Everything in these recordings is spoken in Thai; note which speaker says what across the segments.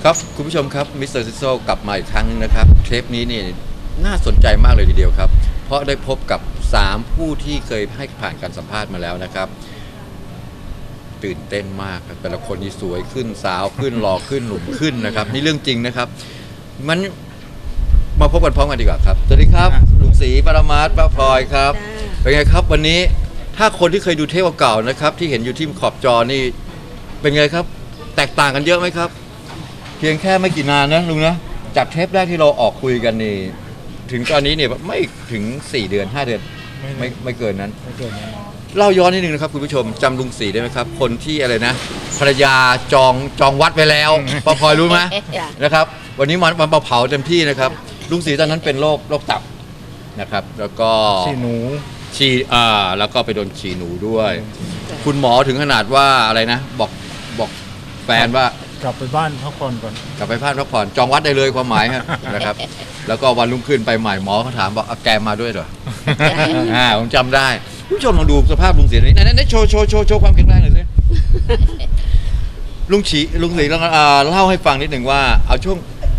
Speaker 1: ครับคุณผู้ชมครับมิสเตอร์ซิโซกลับมาอีกครั้งนึงนะครับเทปนี้นี่น่าสนใจมากเลยทีเดียวครับเพราะได้พบกับ3ผู้ที่เคยให้ผ่านการสัมภาษณ์มาแล้วนะครับตื่นเต้นมากแต่ละคนนี่สวยขึ้นสาวขึ้นหล่อขึ้นหนุ่มขึ้นนะครับนี่เรื่องจริงนะครับมันมาพบกันพร้อมกันดีกว่าครับสวัสดีครับลุงศรีปรมาศป้าพลอยครับเป็นไงครับวันนี้ถ้าคนที่เคยดูเทปเก่าๆนะครับที่เห็นอยู่ที่ขอบจอนี่เป็นไงครับแตกต่างกันเยอะไหมครับเพียงแค่ไม่กี่นานนะลุงนะจากเทปแรกที่เราออกคุยกันนี่ถึงตอนนี้เนี่ยไม่ถึง4 เดือน 5 เดือนไม่เกินนั้นเล่าย้อนนิดนึงนะครับคุณผู้ชมจำลุงศรีได้ไหมครับคนที่อะไรนะภรรยาจองวัดไปแล้วป้าพลอยรู้ไหมนะครับวันนี้มันเผาเต็มที่นะครับลุงศรีตอนนั้นเป็นโรคตับนะครับแล้วก็
Speaker 2: ฉี่หนู
Speaker 1: แล้วก็ไปโดนฉี่หนูด้วย คุณหมอถึงขนาดว่าอะไรนะบอกแฟนว่
Speaker 2: ากลับไปบ้านพักผ่อนก่อน
Speaker 1: กลับไปบ้านพักผ่อนจองวัดได้เลยความหมายนะครับแล้วก็วันรุ่งขึ้นไปใหม่หมอเขาถามบอกแกมาด้วยเหรอผมจำได้ผู้ชมลองดูสภาพลุงศรีนี้นั่นโชว์ความแข็งแรงหน่อยสิลุงศรีเล่าให้ฟังนิดหนึ่งว่าเอาช่วง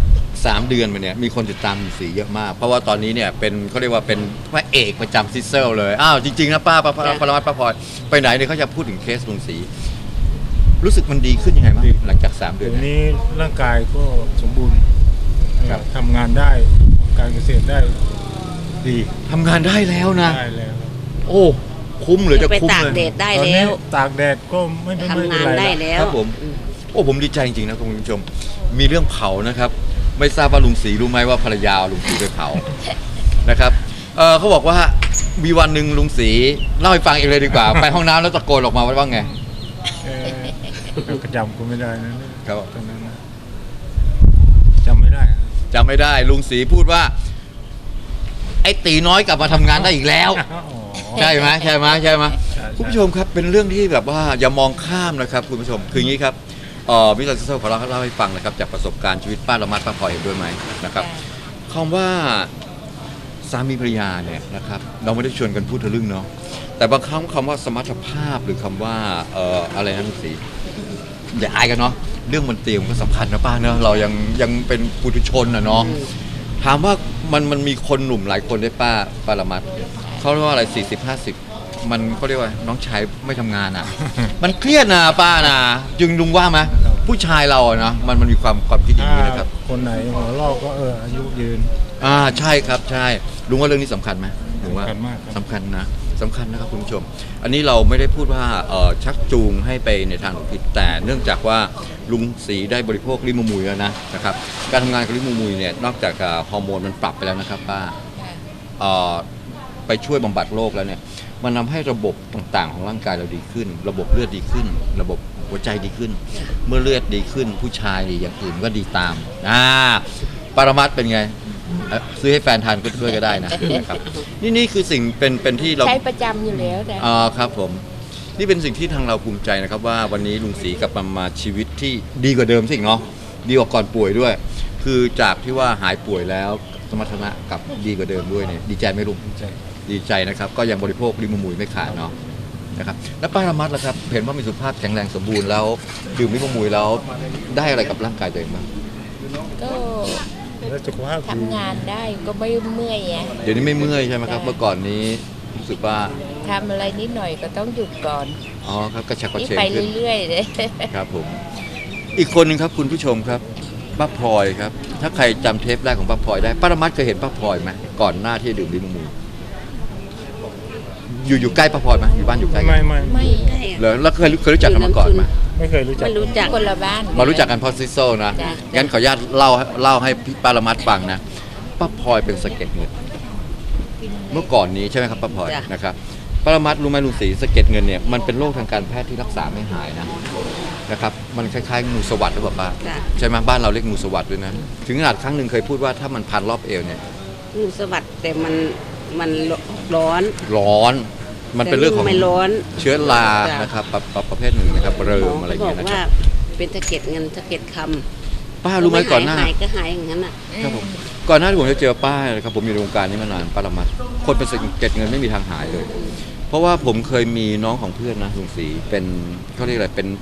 Speaker 1: 3 เดือนมาเนี่ยมีคนติดตามลุงศรีเยอะมากเพราะว่าตอนนี้เนี่ยเป็นเขาเรียกว่าเป็นพระเอกประจำซิสเซลเลยจริงๆนะป้าปรมัตถ์ป้าพลอยไปไหนเนี่ยเขาจะพูดถึงเคสลุงศรีรู้สึกมันดีขึ้นยังไงบ้างหลังจาก3 เดือน
Speaker 2: นี้ร่างกายก็สมบูรณ์ทำงานได้การเกษตรได้ดี
Speaker 1: ทำงานได้แล้วนะ
Speaker 2: ได้แล้ว
Speaker 1: โอ้คุ้มหรือจะคุ้ม
Speaker 3: เลยตากแดดได้แล้ว
Speaker 2: ตากแดดก็ไม่
Speaker 3: ทำงานได้แล้ว
Speaker 1: ครับผมผมดีใจจริงๆนะคุณผู้ชมมีเรื่องเผานะครับไม่ทราบว่าลุงศรีรู้ไหมว่าภรรยาลุงศรีไปเผานะครับเขาบอกว่ามีวันหนึ่งลุงศรีเล่าให้ฟังเองเลยดีกว่าไปห้องน้ำแล้วตะโกนออกมาว่าไง
Speaker 2: กระจำก็ไม่ได้นะครับตอนนั้นจำไม่ได้
Speaker 1: ลุงศรีพูดว่าไอ้ตีน้อยกลับมาทำงานได้อีกแล้วใช่ไหมคุณผู้ชมครับเป็นเรื่องที่แบบว่าอย่ามองข้ามนะครับคุณผู้ชมคืออย่างนี้ครับมิสเตอร์ซิโซขอเล่าให้ฟังนะครับจากประสบการณ์ชีวิตป้าละมัดป้าพลอยเห็นด้วยไหมนะครับคำว่าสามีภรรยาเนี่ยนะครับเราไม่ได้ชวนกันพูดทะลึ่งเนาะแต่บางครั้งคำว่าสมรรถภาพหรือคำว่าอะไรนะลุงศรีอย่าอายกันเนาะเรื่องมันเตรียมก็สำคัญนะป้าเนาะเรายังเป็นปุถุชนนะเนาะถามว่ามันมีคนหนุ่มหลายคนได้ป้าละมัดเขาเรียกว่าอะไร40-50มันเขาเรียกว่าน้องชายไม่ทำงานมันเครียดนะป้านะจึงลุงว่าไหมผู้ชายเราอะนะมันมีความคิดอย่างนี้นะครับ
Speaker 2: คนไหนหัวลอกก็อายุยืน
Speaker 1: ใช่ครับใช่ลุงว่าเรื่องนี้สำคัญไหมลุงว่าสำคัญนะครับคุณผู้ชมอันนี้เราไม่ได้พูดว่าชักจูงให้ไปในทางผิดแต่เนื่องจากว่าลุงศรีได้บริโภคลิมูมุยแล้วนะครับการทำงานกับลิมูมุยเนี่ยนอกจากฮอร์โมนมันปรับไปแล้วนะครับป้าไปช่วยบำบัดโรคแล้วเนี่ยมันทำให้ระบบต่างๆของร่างกายเราดีขึ้นระบบเลือดดีขึ้นระบบหัวใจดีขึ้นเมื่อเลือดดีขึ้นผู้ชายอย่างอื่นก็ดีตามปรมัตถ์เป็นไงซื้อให้แฟนทานด้วยก็ได้นะครับนี่คือสิ่งเป็นที่เรา
Speaker 3: ใช้ประจำอยู่แล้ว
Speaker 1: นะครับผมนี่เป็นสิ่งที่ทางเราภูมิใจนะครับว่าวันนี้ลุงศรีกลับมาชีวิตที่ดีกว่าเดิมสิเนาะดีกว่าก่อนป่วยด้วยคือจากที่ว่าหายป่วยแล้วสมรรถนะกับดีกว่าเดิมด้วยเนี่ยดีใจไหมลุงดีใจนะครับก็ยังบริโภคลิมูมุยไม่ขาดเนาะนะครับแล้วป้าละมัดล่ะครับเห็นว่ามีสุขภาพแข็งแรงสมบูรณ์แล้วดื่มลิมูมุยแล้วได้อะไรกับร่างกายตัวเองบ้าง
Speaker 3: ก็ทำงานได้ก็ไม่เมื่อย
Speaker 1: เดี๋ยวนี้ไม่เมื่อยใช่ไหมครับเมื่อก่อนนี้รู้สึกว่า
Speaker 3: ทำอะไรนิดหน่อยก็ต้องหยุดก่อน
Speaker 1: ครับกระฉับกระเฉง
Speaker 3: ไปเรื่อยๆเลย
Speaker 1: ครับผมอีกคนหนึ่งครับคุณผู้ชมครับป้าพลอยครับถ้าใครจำเทปแรกของป้าพลอยได้ป้าละมัดเคยเห็นป้าพลอยไหมก่อนหน้าที่จะดื่มลิมูมุยอยู่ใกล้ป้าพลอยไหมอยู่บ้านอยู่ใกล้
Speaker 3: ไม่
Speaker 1: เลยแล้วเคยรู้จักกันมาก่อนไหม
Speaker 2: ไม่เคยรู้
Speaker 3: จักคนละบ้าน
Speaker 1: มารู้จักกันเพราะซิโซนะงั้นขออนุญาตเล่าให้พี่ป้าละมัดฟังนะป้าพลอยเป็นสะเก็ดเงินเมื่อก่อนนี้ใช่ไหมครับป้าพลอยนะครับป้าละมัดรู้ไหมลุงศรีสะเก็ดเงินเนี่ยมันเป็นโรคทางการแพทย์ที่รักษาไม่หายนะครับมันคล้ายๆงูสวัสด์หรือเปล่าป้าใช่ไหมบ้านเราเรียกงูสวัสด์ด้วยนะถึงขนาดครั้งหนึ่งเคยพูดว่าถ้ามันพันรอบเอวเนี่ย
Speaker 3: งูสวัสด์แต่มันร้อน
Speaker 1: มันเป็นเรื่องของเชื้อรานะครับประเภทหนึ่งนะครับเริ่มอะไรอย่างเงี้ยนะครับ
Speaker 3: เป็นสะเก็ดเงินสะเก็ดคำ
Speaker 1: ป้ารู้ไหมก่อนหน้า
Speaker 3: หายก็หายอย่างนั้น
Speaker 1: ครับผมก่อนหน้าที่ผมจะเจอป้านะครับผมอยู่ในวงการนี้มานานป้าละมัดคนเป็นสะเก็ดเงินไม่มีทางหายเลยเพราะว่าผมเคยมีน้องของเพื่อนนะลุงศรีเป็นเขาเรียกอะไรเป็น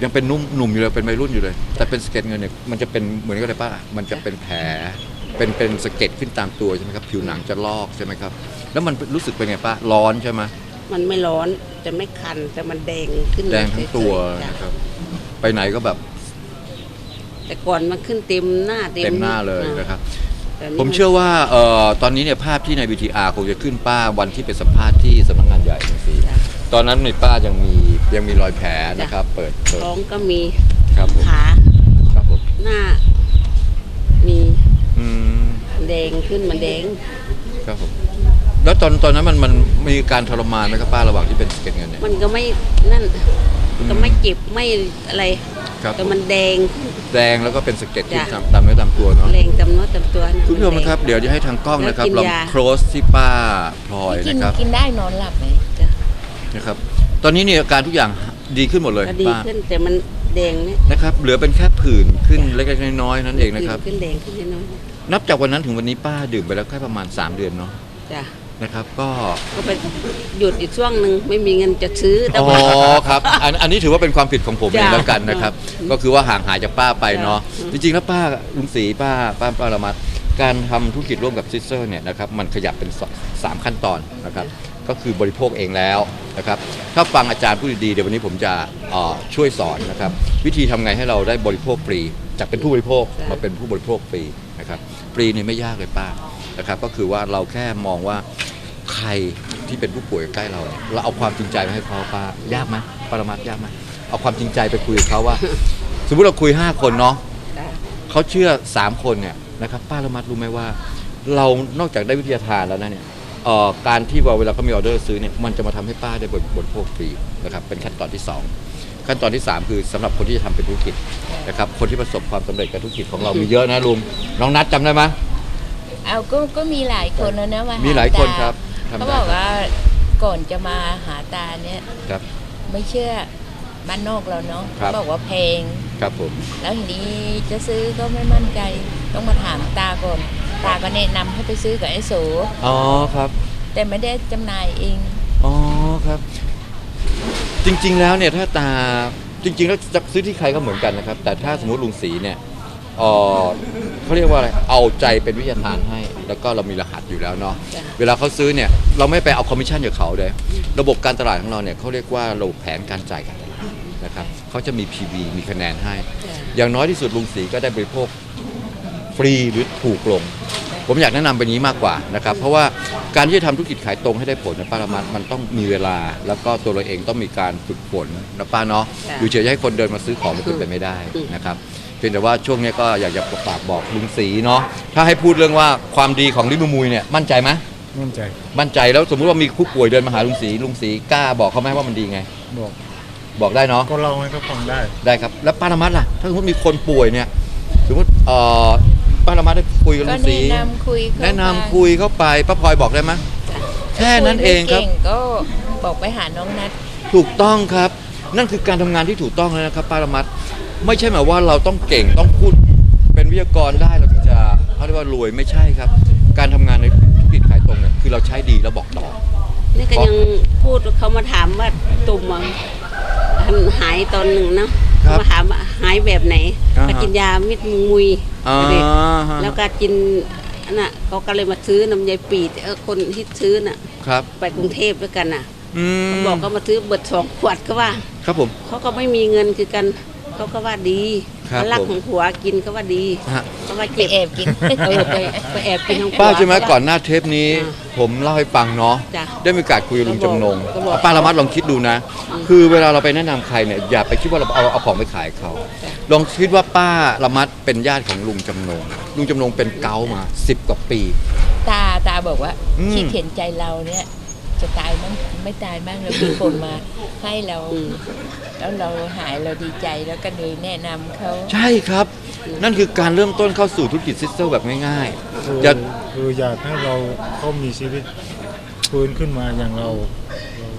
Speaker 1: ยังเป็นหนุ่มอยู่เลยเป็นวัยรุ่นอยู่เลย แต่เป็นสะเก็ดเงินเนี่ยมันจะเป็นเหมือนกับอะไรป้ามันจะเป็นแผลเป็นสะเก็ดขึ้นตามตัวใช่ไหมครับผิวหนังจะลอกใช่ไหมครับแล้วมันรู้สึกเป็นไงป้าร้อนใช่ไหม
Speaker 4: มันไม่ร้อนจะไม่คันแต่มันแดงขึ้น
Speaker 1: แดงทั้งตัว
Speaker 4: เฉยๆจ้ะ
Speaker 1: นะครับไปไหนก็แบบ
Speaker 4: แต่ก่อนมันขึ้นเต็มหน้า
Speaker 1: เต็มหน้าเลยนะครับ
Speaker 4: แต่นี่
Speaker 1: ผมเชื่อว่าตอนนี้เนี่ยภาพที่ใน VTR คงจะขึ้นป้าวันที่ไปสัมภาษณ์ที่สำนักงานใหญ่จังซี่
Speaker 4: จ้ะ
Speaker 1: ตอนนั้นในป้ายังมีรอยแผลนะครับ เปิด
Speaker 4: ท้องก็มี
Speaker 1: ครับผม
Speaker 4: ขา
Speaker 1: ครับผม
Speaker 4: หน้า มี
Speaker 1: อืม
Speaker 4: แดงขึ้นมันแดง
Speaker 1: ครับผมแล้วตอนนั้นมันมีการทรมานไหมครับป้าระหว่างที่เป็นสะเก็ดเงินเนี่ย
Speaker 4: มันก็ไม่นั่นก็ไม่เจ็บไม่อะไร
Speaker 1: ครับ
Speaker 4: แต่มันแดง
Speaker 1: แดงแล้วก็เป็นสะเก็ดที่
Speaker 4: จ้ะ
Speaker 1: ตามเนื้อตามตัวเนาะ
Speaker 4: แรงจำเนื้อจำตัวเนี่ย
Speaker 1: คุณผู้ชม
Speaker 4: แดง
Speaker 1: นะครับเดี๋ยวจะให้ทางกล้องนะครับ
Speaker 4: แล้วกิน
Speaker 1: ลอง
Speaker 4: ยา
Speaker 1: โครสที่ป้าพลอย
Speaker 3: กิน
Speaker 1: นะครับ
Speaker 3: กินได้นอนหลับไหม
Speaker 4: จ้ะ
Speaker 1: นะครับ ตอนนี้เนี่ยอาการทุกอย่างดีขึ้นหมดเลย
Speaker 4: ก็ดี
Speaker 1: ป้า
Speaker 4: ขึ้นแต่มันแดงเนี่ย
Speaker 1: นะครับเหลือเป็นแค่ผื่นขึ้นเล็กๆน้อยๆนั่นเองนะครับ
Speaker 4: ขึ้นแดงขึ้นน้อย
Speaker 1: นับจากวันนั้นถึงวันนี้ป้าดื่มไปแล้วแค่ประมาณ 3 เดือนเนาะ
Speaker 4: ๆจ้ะ
Speaker 1: นะครับก็
Speaker 4: ก็ไปหยุดอีกช่วงหนึ่งไม่มีเงินจะซื้อแต่
Speaker 1: อ๋อ
Speaker 4: ว่า
Speaker 1: ครับอันนี้ถือว่าเป็นความผิดของผมเอง
Speaker 4: จ้ะ
Speaker 1: แล้วกันนะครับ ก็คือว่าห่างหายจากป้าไปเนาะ
Speaker 4: จ้ะ
Speaker 1: จริงๆแล้วป้าลุงศรีป้าละมัดการทำธุรกิจร่วมกับซิสเตอร์เนี่ยนะครับมันขยับเป็น3 ขั้นตอนนะครับก็คือบริโภคเองแล้วนะครับถ้าฟังอาจารย์พูดดีๆเดี๋ยววันนี้ผมจะช่วยสอนนะครับวิธีทำไงให้เราได้บริโภคฟรีจากเป็นผู้บริโภคมาเป็นผู้บริโภคฟรีนะครับฟรีนี่ไม่ยากเลยป้านะครับก็คือว่าเราแค่มองว่าใครที่เป็นผู้ป่วยใกล้เราเราเอาความจริงใจมาให้เขาป้ายากไหมปรมัตถ์ยากไหมเอาความจริงใจไปคุยกับเขาว่า สมมติเราคุย5 คนเนาะ
Speaker 4: จ้ะ
Speaker 1: เขาเชื่อ3 คนเนี่ยนะครับป้าละมัดรู้ไหมว่า เรานอกจากได้วิทยาทานแล้วนะเนี่ยการที่เวลาเขามีออเดอร์ซื้อเนี่ยมันจะมาทำให้ป้าได้บริโภคฟรีนะครับเป็นขั้นตอนที่ 2 ขั้นตอนที่ 3 คือสำหรับคนที่จะทำเป็นธุรกิจนะครับคนที่ประสบความสำเร็จกับธุรกิจของเรามีเยอะนะลุงน้องนัทจำได้ไหม
Speaker 3: เอาก็มีหลายคนแล้วนะว่า
Speaker 1: มี
Speaker 3: มี
Speaker 1: หลายคนครับทำได้
Speaker 3: เขาบอกว่าก่อนจะมาหาตาเนี่ย
Speaker 1: ครับ
Speaker 3: ไม่เชื่อบ้านนอกเราเนาะ
Speaker 1: ครับ
Speaker 3: เขาบอกว่าแพง
Speaker 1: ครับผม
Speaker 3: แล้วทีนี้จะซื้อก็ไม่มั่นใจต้องมาถามตาก่อนตาก็แนะนำให้ไปซื้อกับไอ้โส
Speaker 1: อ๋อครับ
Speaker 3: แต่ไม่ได้จำหน่ายเอง
Speaker 1: อ๋อครับ จริงๆแล้วเนี่ยถ้าตาจริงๆแล้วจะซื้อที่ใครก็เหมือนกันนะครับ แต่ถ้าสมมติลุงศรีเนี่ยเขาเรียกว่าอะไรเอาใจเป็นวิทยาทานให้ แล้วก็เรามีรหัสอยู่แล้วเนาะ
Speaker 4: จ้ะ
Speaker 1: เวลาเขาซื้อเนี่ยเราไม่ไปเอาคอมมิชชั่นจากเขาเลยระบบการตลาดของเราเนี่ยเขาเรียกว่าระบบแผนการจ่ายการตลาดนะครับเขาจะมี PV มีคะแนนให้
Speaker 4: จ้ะ
Speaker 1: อย่างน้อยที่สุดลุงศรีก็ได้บริโภคฟรีหรือถูกลง ผมอยากแนะนำเป็นนี้มากกว่านะครับเพราะว่าการที่จะทำธุรกิจขายตรงให้ได้ผลนะป้าละมัดมันต้องมีเวลา แล้วก็ตัวเราเองต้องมีการฝึกฝนนะป้าเนาะ
Speaker 4: จ้ะ
Speaker 1: อยู่เฉยๆให้คนเดินมาซื้อของมันเป็นไปไม่ได้นะครับเพียงแต่ว่าช่วงนี้ก็อยากจะฝากบอกลุงศรีเนาะถ้าให้พูดเรื่องว่าความดีของลิมูมุยเนี่ยมั่นใจไหม
Speaker 2: มั่นใจ
Speaker 1: มั่นใจแล้วสมมุติว่ามีผู้ป่วยเดินมาหาลุงศรีกล้าบอกเขาไหมว่ามันดีไง
Speaker 2: บอก
Speaker 1: บอกได้เนาะ
Speaker 2: ก็เล่าให้เขาฟังได้
Speaker 1: ได้ครับแล้วป้าละมัดล่ะถ้าสมมติมีคนป่วยเนี่ยสมมติป้าละมัดได้คุยกับ
Speaker 3: ก็
Speaker 1: ลุงศรี
Speaker 3: แนะนำคุยเข้า
Speaker 1: แนะนำ
Speaker 3: ไป
Speaker 1: คุยเข้าไปป้าพลอยบอกได้ไหม
Speaker 4: จ้ะ
Speaker 1: แค่นั้นเองครับ
Speaker 3: ยไม่ก่ก็บอกไปหาน้องนัด
Speaker 1: ถูกต้องครับ นั่นคือการทำงานที่ถูกต้องแล้วนะครับป้าละมัดไม่ใช่หมายว่าเราต้องเก่งต้องพูดเป็นวิทยากรได้เราถึงจะเขาเรียกว่ารวยไม่ใช่ครับ การทำงานในธุรกิจขายตรงเนี่ยคือเราใช้ดีแล้วบอกต่อ
Speaker 4: นี่ก็ยังพูดเขามาถามว่าตุ่มอะหายตอนหนึ่งเนาะ
Speaker 1: ครับ
Speaker 4: มาถามว่าหายแบบไหน
Speaker 1: อ่าฮะ
Speaker 4: ก็กินยามิดมุย
Speaker 1: อ่า
Speaker 4: เด็ก
Speaker 1: ฮะ
Speaker 4: แล้วก็กินอันน่ะเขาก็เลยมาซื้อน้ำยายปีดคนที่ซื้อน่ะ
Speaker 1: ครับ
Speaker 4: ไปกรุงเทพด้วยกันน่ะ
Speaker 1: อืม
Speaker 4: บอกเขามาซื้อเบิด2 ขวดก็ว่า
Speaker 1: ครับผม
Speaker 4: เขาก็ไม่มีเงินคือกันเขาก็ว่าดี
Speaker 1: ครับ
Speaker 4: เขารัก
Speaker 1: ผม
Speaker 4: ของผัวกินก็ว่าดี
Speaker 1: ฮะ
Speaker 4: เขาว่า
Speaker 3: ไป
Speaker 4: เจ็บ
Speaker 3: แอบกิน
Speaker 4: ไปแอบกินของผัว
Speaker 1: ป้าใช่ไหม
Speaker 4: เขาว่า
Speaker 1: ก่อนหน้าเทปนี้
Speaker 4: อ่า
Speaker 1: ผมเล่าให้ฟังเนาะ
Speaker 4: จ้ะ
Speaker 1: ได้มีโอกาสคุยกับลุงจำนง
Speaker 4: ก็บอก
Speaker 1: ป้าละมัดลองคิดดูนะ คือเวลาเราไปแนะนำใครเนี่ยอย่าไปคิดว่าเราเอาของไปขายเขา ลองคิดว่าป้าละมัดเป็นญาติของลุงจำนงลุงจำนงเป็นเกาต์มา10 กว่าปี
Speaker 3: ตาบอกว่า
Speaker 1: อืม
Speaker 3: คิดเห็นใจเราเนี่ยจะตายมั้งไม่ตายบ้างแล้วมีคนมาให้เรา แล้วเราหายเราดีใจแล้วก็เลยแนะนำเขา
Speaker 1: ใช่ครับ นั่นคือการเริ่มต้นเข้าสู่ธุรกิจซิสเตอร์แบบง่าย
Speaker 2: คือ
Speaker 1: ๆอย่า
Speaker 2: คืออยากให้เราเขามีชีวิตฟื้นขึ้นมาอย่างเรา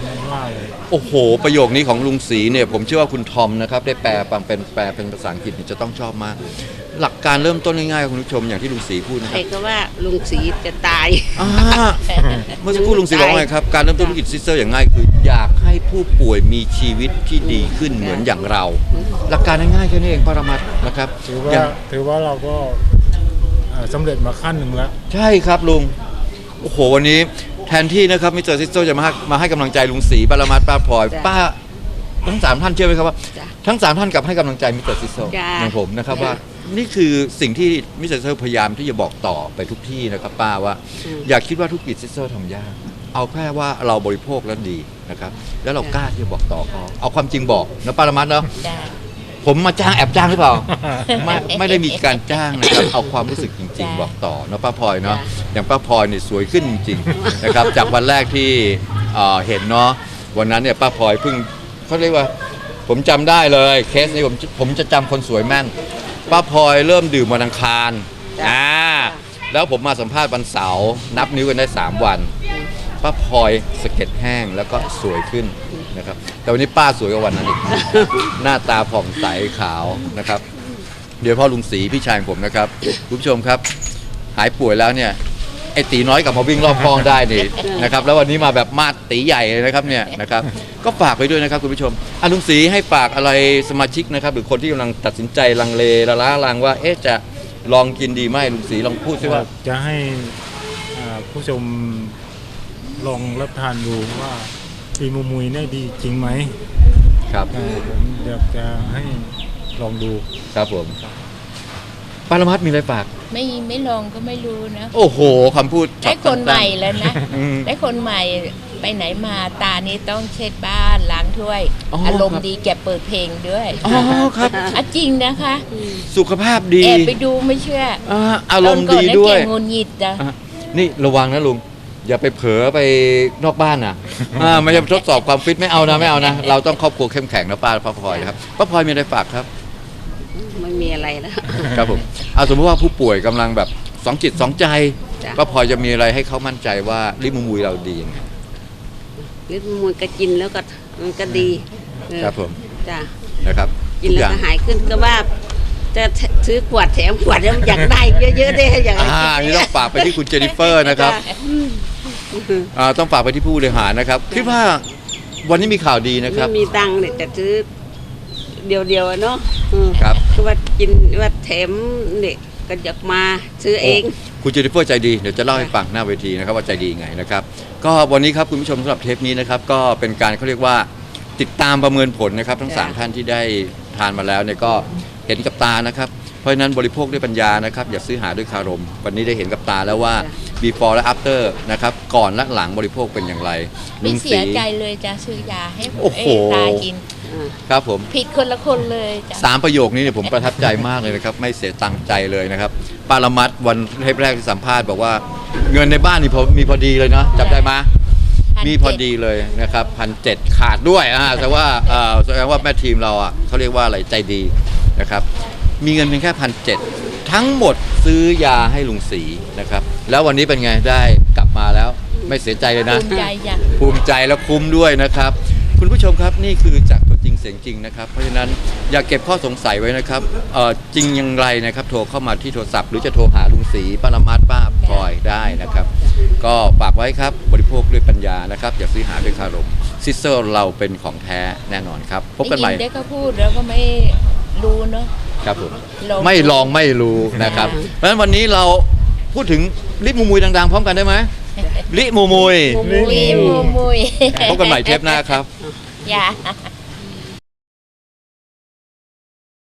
Speaker 2: ว่าเลย
Speaker 1: โอ้โห ประโยคนี้ของลุงศรีเนี่ยผมเชื่อว่าคุณทอมนะครับได้แปลเป็นภาษาอังกฤษเนี่ยจะต้องชอบมาก หลักการเริ่มต้นง่ายๆคุณผู้ชมอย่างที่ลุงศรีพูดนะค
Speaker 4: ใคร
Speaker 1: รับ
Speaker 4: ก็ว่าลุงศรีจะตาย
Speaker 1: อ่าเมื่อสักครู่ลุงศรีบอกว่าไงครับการเริ่มต้นธุรกิจซิสเตอร์อย่างง่ายคืออยากให้ผู้ป่วยมีชีวิตที่ดีขึ้นเหมือนอย่างเรา หลักการง่ายๆแค่นี้เองปรมัตถ์นะครับ
Speaker 2: ถือ
Speaker 1: อย่า
Speaker 2: ว่าเราก็สำเร็จมาขั้นหนึ่งแล้ว
Speaker 1: ใช่ครับลุงโอ้โหวันนี้แทนที่นะครับมิสเตอร์ซิสเตอร์จะมาให้กำลังใจลุงศรีปรมัตถ์ป้าพลอย
Speaker 4: จ้ะ
Speaker 1: ป้าทั้งสามท่านเชื่อไหมครับว่า
Speaker 4: จ้ะ
Speaker 1: ทั้งสามท่านกลับให้กำลังใจมิสเตอร์ซิสเตอร์
Speaker 4: จ้ะ
Speaker 1: อย่างผมนะครับ
Speaker 4: จ้ะ
Speaker 1: ว่านี่คือสิ่งที่มิสเตอร์ซิสเตอร์พยายามที่จะบอกต่อไปทุกที่นะครับป้าว่า อย่าคิดว่าธุรกิจซิสเตอร์ทำยากเอาแค่ว่าเราบริโภคแล้วดีนะครับแล้วเรากล้าที่จะบอกต่อเขาเอาความจริงบอกนะปรมัตถ์เนาะ
Speaker 3: จ้า
Speaker 1: ผมมาจ้างแอบจ้างหรือเปล่า ไม่ได้มีการจ้างนะครับ เอาความรู้สึกจริง
Speaker 3: จ้ะ
Speaker 1: ๆ บอกต่อเนาะป้าพลอยเนาะ
Speaker 4: จ้ะ
Speaker 1: อย่างป้าพลอยเนี่ยสวยขึ้นจริงๆ นะครับ จากวันแรกที่เห็นเนาะวันนั้นเนี่ยป้าพลอยเพิ่งเขาเรียกว่า ผมจำได้เลยเคสนี้ผมจะจำคนสวยแม่นป้าพลอยเริ่มดื่มวันอังคารแล้วผมมาสัมภาษณ์วันเสาร์นับนิ้วกันได้ 3 วัน ป้าพลอยสะเก็ดแห้งแล้วก็สวยขึ้นนะครับแต่วันนี้ป้าสวยกว่าวันนั้นอีก หน้าตาผ่องใสขาวนะครับเดี๋ยวพ่อลุงศรีพี่ชายของผมนะครับคุณผู้ชมครับหายป่วยแล้วเนี่ยไอ้ตีน้อยกลับมาวิ่งรอบคลองได้นี่นะครับแล้ววันนี้มาแบบมาดตีใหญ่เลยนะครับเนี่ยนะครับก็ฝากไว้ด้วยนะครับคุณผู้ชมลุงศรีให้ฝากอะไรสมาชิกนะครับหรือคนที่กำลังตัดสินใจลังเลละล้าลังว่าจะลองกินดีไหมลุงศรีลองพูดซิว่า
Speaker 2: จะให้ผู้ชมลองรับทานดูว่าปีมูมุยเนี่ยดีจริงไหม
Speaker 1: ครับ
Speaker 2: ผมอยากจะให้ลองดู
Speaker 1: ครับผมปารมัตถ์มีอะไรฝาก
Speaker 3: ไม่ลองก็ไม่รู้นะ
Speaker 1: โอ้โหคำพูด
Speaker 3: ได้คนใหม่แล้วนะ
Speaker 1: อืม
Speaker 3: ได้คนใหม่ไปไหนมาตานี้ต้องเช็ดบ้านล้างถ้วย
Speaker 1: อ๋อ
Speaker 3: อารม
Speaker 1: ครั
Speaker 3: ณ์
Speaker 1: บ
Speaker 3: ดีแกเปิดเพลงด้วย
Speaker 1: อ๋อครับ
Speaker 3: อ่ะจริงนะคะ
Speaker 1: สุขภาพดี
Speaker 3: แอบไปดูไม่เชื่อ
Speaker 1: อารมณ์ดีด้วย
Speaker 3: ตอนก่อนนะแกงุนหงิดจ้ะ
Speaker 1: อ่ะนี่ระวังนะลุง อย่าไปเผลอไปนอกบ้านนะไม่ใช่ทดสอบความฟิตไม่เอานะ เราต้องครอบครัวเข้มแข็งนะป้าพลอยนะครับป้าพลอยมีอะไรฝากครับ
Speaker 4: ไม่มีอะไรแล้ว
Speaker 1: ครับผมสมมติว่าผู้ป่วยกำลังแบบสองจิตสองใจ
Speaker 4: จ้ะ
Speaker 1: ป้าพลอยจะมีอะไรให้เขามั่นใจว่าลิมูมุยเราดียังไง
Speaker 4: ลิ้นมันก็กินแล้วก็มันก็ดีเออ
Speaker 1: ครับผม
Speaker 4: จ้ะ
Speaker 1: นะครับ
Speaker 4: กินแล้วก็หายขึ้นก็ว่า จะซื้อขวดแถมขวดแล้วอยากได้เยอะๆได้อย่าง
Speaker 1: นี่ต้องฝากไปที่คุณเจนนิเฟอร์นะครับต้องฝากไปที่ผู้บริหารนะครับคิดว่าวันนี้มีข่าวดีนะครับ
Speaker 4: ไม่มีตังค์เนี่ยจะซื้อเดียวๆอะเนาะ
Speaker 1: ครับ
Speaker 4: คือว่ากินว่าแถมเนี่ยก็อยากมาซื้อเอง
Speaker 1: คุณเจนนิเฟอร์ใจดีเดี๋ยวจะเล่าให้ฟังหน้าเวทีนะครับว่าใจดียังไงนะครับก็วันนี้ครับคุณผู้ชมสำหรับเทปนี้นะครับก็เป็นการเขาเรียกว่าติดตามประเมินผลนะครับทั้ง
Speaker 4: จ้ะ
Speaker 1: 3 ท่านที่ได้ทานมาแล้วเนี่ยก็เห็นกับตานะครับเพราะฉะนั้นบริโภคด้วยปัญญานะครับอย่าซื้อหาด้วยคารมวันนี้ได้เห็นกับตาแล้วว่า before และ after นะครับก่อนและหลังบริโภคเป็นอย่างไร
Speaker 3: ไม่เสีย
Speaker 1: ศรี
Speaker 3: ใจเลยจ้ะซื้อยาให้
Speaker 1: โอ้โห
Speaker 3: ตากิน
Speaker 1: ครับผม
Speaker 3: ผิดคนละคนเลยจ้ะ
Speaker 1: 3 ประโยคนี้เนี่ยผมประทับใจมากเลยนะครับไม่เสียตังค์ใจเลยนะครับปารมัตถ์วันเทปแรกที่สัมภาษณ์บอกว่าเงินในบ้านนี่มีพอดีเลยเนาะจำได้ไหม มีพอดีเลยนะครับ1,700ขาดด้วยแสดงว่าแม่ทีมเราเขาเรียกว่าอะไรใจดีนะครับมีเงินเพียงแค่1,700ทั้งหมดซื้อยาให้ลุงศรีนะครับแล้ววันนี้เป็นไงได้กลับมาแล้วไม่เสียใจเลยนะ
Speaker 3: ภูมิใจจ้ะ
Speaker 1: ภูมิใจและคุ้มด้วยนะครับคุณผู้ชมครับนี่คือจากตัวจริงเสียงจริงนะครับเพราะฉะนั้นอย่าเก็บข้อสงสัยไว้นะครับจริงอย่างไรนะครับโทรเข้ามาที่โทรศัพท์หรือจะโทรหาลุงศรีปรมัตถ์ป้าพลอยได้นะครับก็ฝากไว้ครับบริโภคด้วยปัญญานะครับอย่าซื้อหาด้วยคารมซิสเตอร์เราเป็นของแท้แน่นอนครับพบกันใหม่
Speaker 3: ได้ยิได้ก็พูดแล้วก็ไม่รู้เนาะ
Speaker 1: ครับผม
Speaker 3: ลอง
Speaker 1: ไม่ลองไม่รู้นะครับเพราะฉะนั้นวันนี้เราพูดถึงลิมูมุยดังๆพร้อมกันได้ไหมลิมูมุย
Speaker 3: มุยมุย
Speaker 1: พบกันใหม่เทปหน้าครับ
Speaker 3: อย่า